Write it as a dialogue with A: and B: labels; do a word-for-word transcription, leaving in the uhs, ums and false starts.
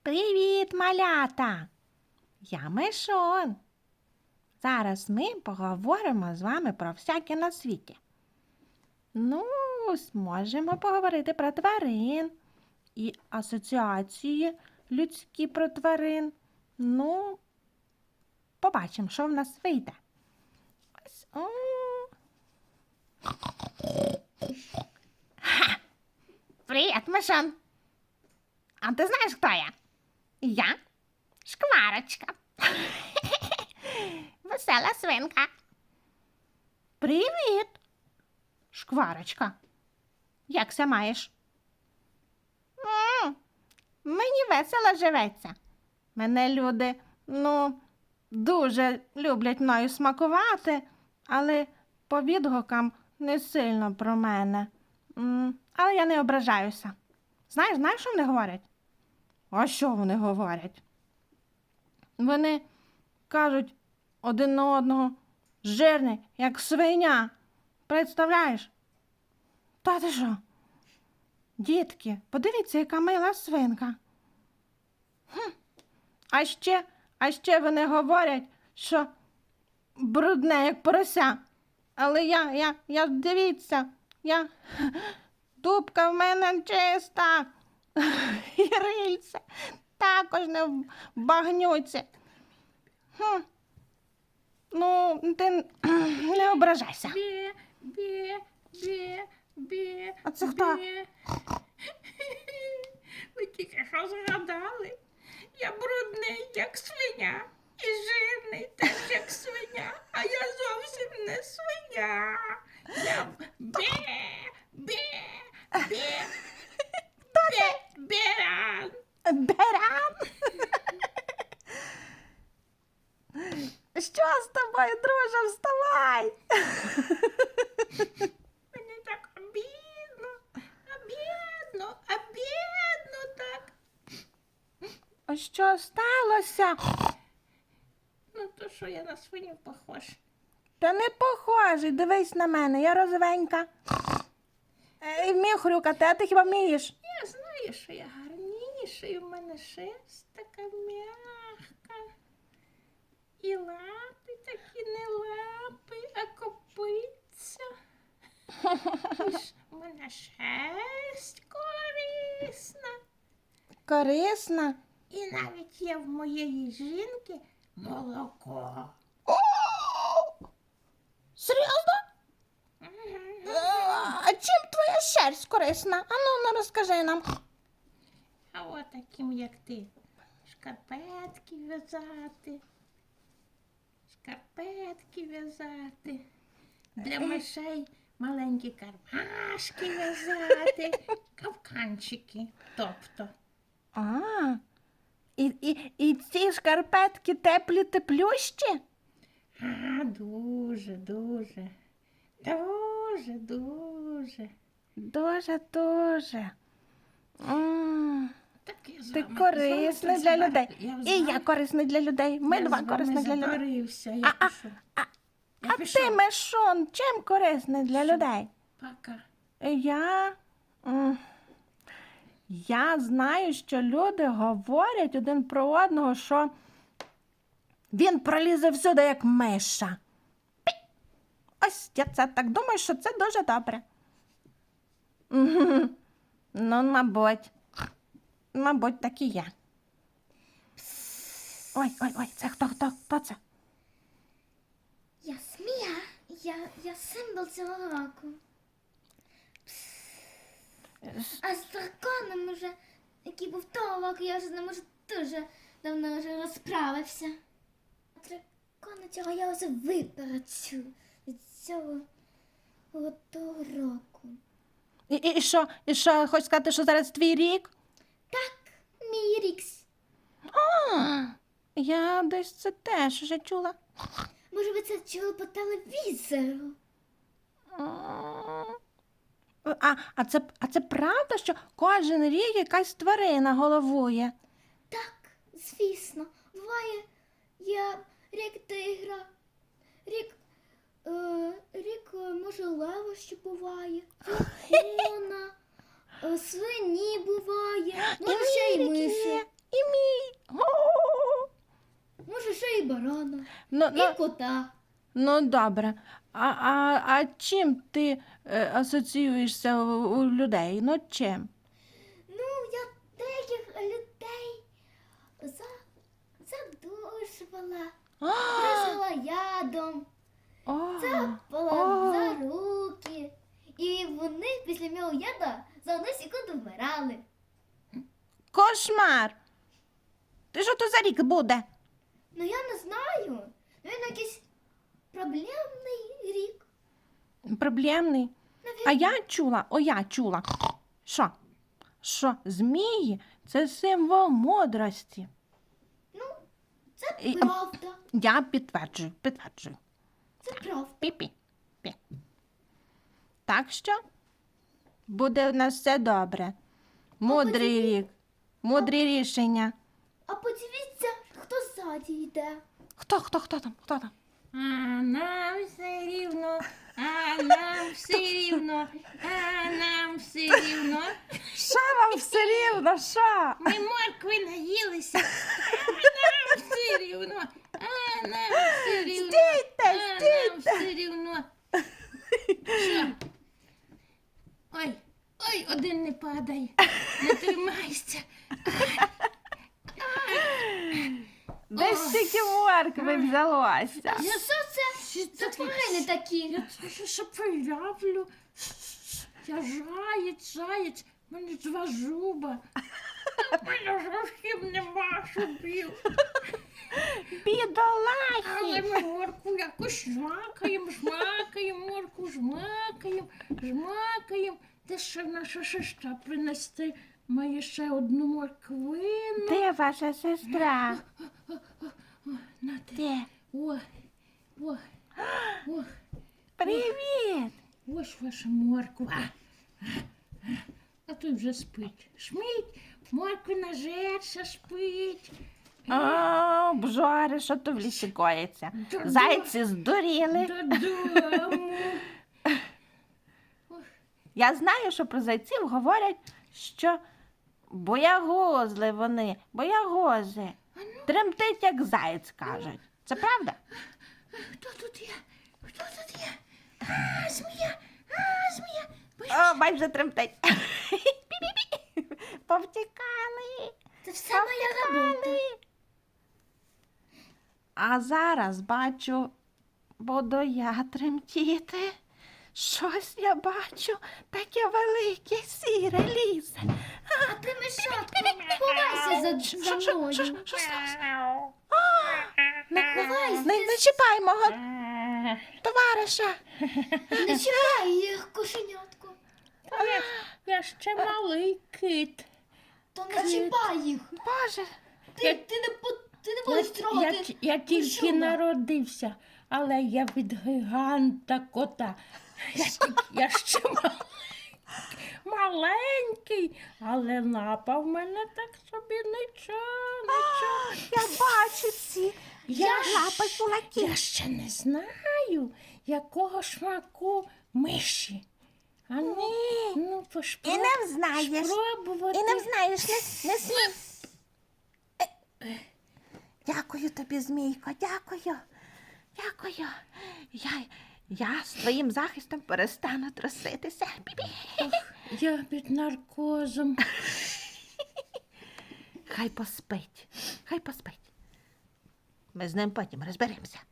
A: Привіт, малята! Я Мишон. Зараз ми поговоримо з вами про всяке на світі. Ну, зможемо поговорити про тварин і асоціації людські про тварин. Ну, побачимо, що в нас вийде. Ось, о. Ха! Привіт, Мишон! А ти знаєш, хто я? Я Шкварочка. Весела свинка. Привіт, Шкварочка. Як ся маєш? М, Мені весело живеться. Мене люди, ну, дуже люблять мною смакувати, але по відгукам не сильно про мене. М, Але я не ображаюся. Знаєш, знаєш, що вони говорять? А що вони говорять? Вони кажуть один на одного: жирний, як свиня. Представляєш? Та ти що? Дітки, подивіться, яка мила свинка. Хм. А ще, а ще вони говорять, що брудне, як порося. Але я, я, я, дивіться, я, дубка в мене чиста. І рильце також не в багнюці. Хм. Ну, ти не ображайся.
B: Бе, бе, бе, бе.
A: А це хто?
B: бе. Ви тільки що згадали? Я брудний, як свиня, і жирний теж, як свиня, а я зовсім не свиня. Я бе, бе, бе, бе, беран.
A: Беран? Що з тобою, друже? Вставай!
B: Мені так обідно, обідно, обідно так.
A: А що сталося?
B: Ну то що я на свиню похож?
A: Та не похожий, дивись на мене, я розовенька. І вмію хрюкати, а ти хіба вмієш?
B: Я знаю, що я гарніша, і в мене шерсть така м'яка. І лапи такі не лапи, а копиця. І ж в мене шерсть корисна.
A: Корисна.
B: І навіть є в моєї жінки молоко.
A: Серйозно?
B: Мгм.
A: А чим твоя шерсть корисна? Ану, ну розкажи нам.
B: А от таким, як ти, шкарпетки в'язати, шкарпетки в'язати, для мишей маленькі кармашки в'язати, капканчики, тобто.
A: А, і, і, і ці шкарпетки теплі теплющі?
B: А, дуже, дуже, дуже, дуже.
A: Дуже, дуже. М,
B: Так я з
A: Ти
B: вами-
A: корисний
B: з вами
A: для
B: так
A: людей.
B: Я з
A: І я
B: вами-
A: корисний для людей. Ми
B: я
A: два
B: з вами
A: корисні для людей.
B: забарився,
A: А,
B: я
A: а,
B: пішов.
A: а,
B: Я
A: А
B: пішов.
A: ти, Мишон, чим корисний для
B: Що?
A: людей?
B: Пока.
A: Я. м, Я знаю, що люди говорять один про одного, що він пролізе всюди, як миша. Пі! Ось я це так думаю, що це дуже добре. Мгм. Ну, мабуть. Мабуть, так і є. Ой, ой, ой, це хто, хто, хто це?
C: Я Смія, я, я символ цього року. А з драконом уже, який був того року, я вже з ним уже дуже давно вже розправився. Дракона цього я вже випереджу від цього от того року.
A: І, і, і що? І що, хочеш сказати, що зараз твій рік?
C: Так, мій рікс.
A: А, я десь це теж вже чула.
C: Може, ви це чули по телевізору?
A: А, а, це, а це правда, що кожен рік якась тварина головує?
C: Так, звісно. Буває, я рік тигра, рік, е, рік, е, може, лева ще буває, рік слона, е, свині буває, може, ще й
A: мій рік
C: миші.
A: є, і Ну,
C: І
A: ну,
C: кота.
A: ну добре. А, а, а чим ти е, асоціюєшся у, у людей? Ну чим?
C: Ну, я деяких людей за... задушувала, бризала ядом,
A: О,
C: цапала
A: О.
C: за руки. І вони після мого яда за одну секунду вмирали.
A: кошмар! Ти що то за рік буде?
C: Ну я не знаю. Він якийсь проблемний рік.
A: Проблемний. А я чула, о, я чула. Що? Що змії це символ мудрості.
C: Ну, це
A: І-
C: правда.
A: Я підтверджую, підтверджую.
C: Це правда.
A: Пі-пі. Пі. Так що буде у нас все добре. Мудрий рік, мудрі рішення.
C: А подивіться, хто ззаді йде.
A: Хто, хто, хто там? Хто там?
B: А нам все рівно, а нам все рівно, а нам все рівно.
A: Що вам все рівно? Що?
B: Ми моркви наїлися, а нам все рівно, а нам все рівно,
A: Стійте,
B: а нам
A: стійте.
B: все рівно. Що? Ой, ой, один не падай, не тримайся.
A: Де стільки моркви взялося?
C: Ну що це? Це тварини такі.
B: Я це ще проявлю. Я заєць, заєць, в мене два зуба. У мене зовсім нема зубів. Але
A: Бідолахи!
B: ми морку якось жмакаємо, жмакаємо, морку жмакаємо, жмакаємо. Де ще наша сестра принести має ще одну морквину.
A: Де ваша сестра?
B: На те.
A: Де?
B: О, о, о,
A: Привіт!
B: ось ваша морква. А тут вже спить. Шмить, морквина жерша спить.
A: О, бжори, що то в лісі коїться?
B: Та
A: Зайці здуріли.
B: Додому.
A: Я знаю, що про зайців говорять, що боягузли вони, боягузи. Тремтить, як заєць, кажуть. Це правда?
B: Хто тут є? Хто тут є? А, змія, а, змія.
A: О, майже тремтить. Пі-пі-пі. Повтікали.
C: Це все моя робота.
A: А зараз бачу, буду я тремтіти. Щось я бачу, таке велике сіре лізе.
C: А ти мишатко, ховайся за,
A: Що,
C: за
A: що,
C: мною.
A: що, що сталося?
C: Не ховайся,
A: Не, не чіпай мого товариша.
C: не чіпай їх, кошенятко.
B: Я, я ще малий кит.
C: То не чіпай їх.
A: Боже,
C: Ти, ти не, по- ти не
B: Я,
C: будеш
B: я,
C: трогати.
B: я тільки
C: Мишуна.
B: народився, але я від гіганта кота. Я, тільки- я ще маленький, маленький, але лапа в мене так собі нічого, нічого.
A: я бачу ці.
B: Я
A: Я
B: ж-
A: лапай кулаки.
B: Я ще не знаю, якого смаку миші. А ну,
A: Ні.
B: ну
A: І
B: пошпро...
A: не взнаєш.
B: спробувати.
A: І не взнаєш, не, не смій. Е, Дякую тобі, Змійко, дякую. Дякую. Я, я з твоїм захистом перестану труситися. Бі-бі.
B: Я під наркозом.
A: Хай поспить, хай поспить. Ми з ним потім розберемося.